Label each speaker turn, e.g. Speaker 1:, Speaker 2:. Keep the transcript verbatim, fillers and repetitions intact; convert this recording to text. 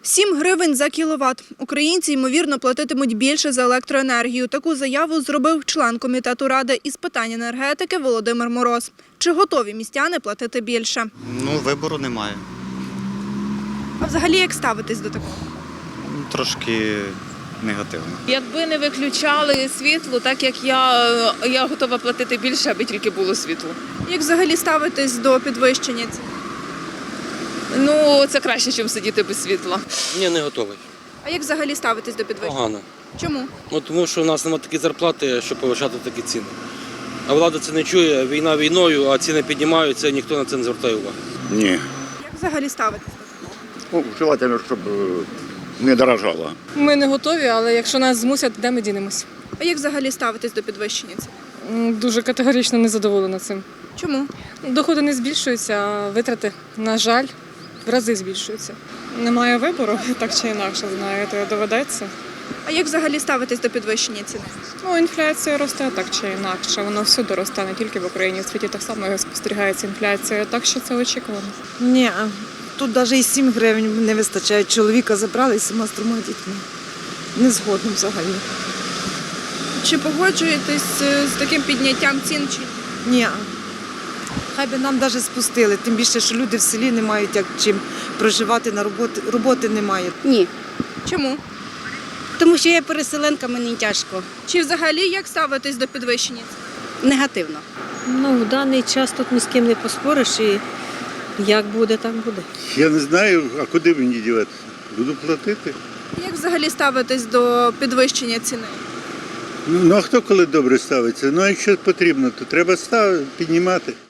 Speaker 1: сім гривень за кіловат. Українці, ймовірно, платитимуть більше за електроенергію. Таку заяву зробив член комітету Ради із питань енергетики Володимир Мороз. Чи готові містяни платити більше?
Speaker 2: Ну, вибору немає.
Speaker 1: А взагалі як ставитись до такого?
Speaker 2: Трошки негативно.
Speaker 3: Якби не виключали світло, так як я, я готова платити більше, аби тільки було світло.
Speaker 1: Як взагалі ставитись до підвищення цін?
Speaker 3: Ну, це краще, ніж сидіти без світла.
Speaker 4: Ні, не готовий.
Speaker 1: А як взагалі ставитись до підвищення?
Speaker 4: Погано.
Speaker 1: Чому?
Speaker 4: Ну, тому що у нас немає такі зарплати, щоб повищати такі ціни. А влада це не чує, війна війною, а ціни піднімаються, і ніхто на це не звертає уваги.
Speaker 5: Ні.
Speaker 1: Як взагалі ставитись?
Speaker 5: Ну, желательно, щоб е, не дорожало.
Speaker 6: Ми не готові, але якщо нас змусять, де ми дінемось?
Speaker 1: А як взагалі ставитись до підвищення цін?
Speaker 6: М, Дуже категорично не задоволена цим.
Speaker 1: Чому?
Speaker 6: Доходи не збільшуються, а витрати, на жаль, в рази збільшуються. Немає вибору, так чи інакше, знаєте, доведеться.
Speaker 1: А як взагалі ставитись до підвищення ціни?
Speaker 6: Ну, інфляція росте так чи інакше, воно всюди росте, не тільки в Україні, в світі так само спостерігається інфляція, так що це очікувано.
Speaker 7: Ні, тут навіть і сім гривень не вистачає. Чоловіка забрали з сіма з трьома дітьми. Не згодно взагалі.
Speaker 1: Чи погоджуєтесь з таким підняттям цін? Чи
Speaker 7: Ні. Хай би нам навіть спустили, тим більше, що люди в селі не мають як чим проживати, на роботи, роботи немає.
Speaker 8: Ні,
Speaker 1: чому?
Speaker 8: тому що я переселенка, мені тяжко.
Speaker 1: Чи взагалі як ставитись до підвищення цін?
Speaker 8: Негативно.
Speaker 9: Ну, в даний час тут ні з ким не поспориш і як буде, так буде.
Speaker 5: Я не знаю, а куди мені діватися? Буду платити.
Speaker 1: Як взагалі ставитись до підвищення ціни?
Speaker 5: Ну, ну а хто коли добре ставиться? Ну, а якщо потрібно, то треба став... піднімати.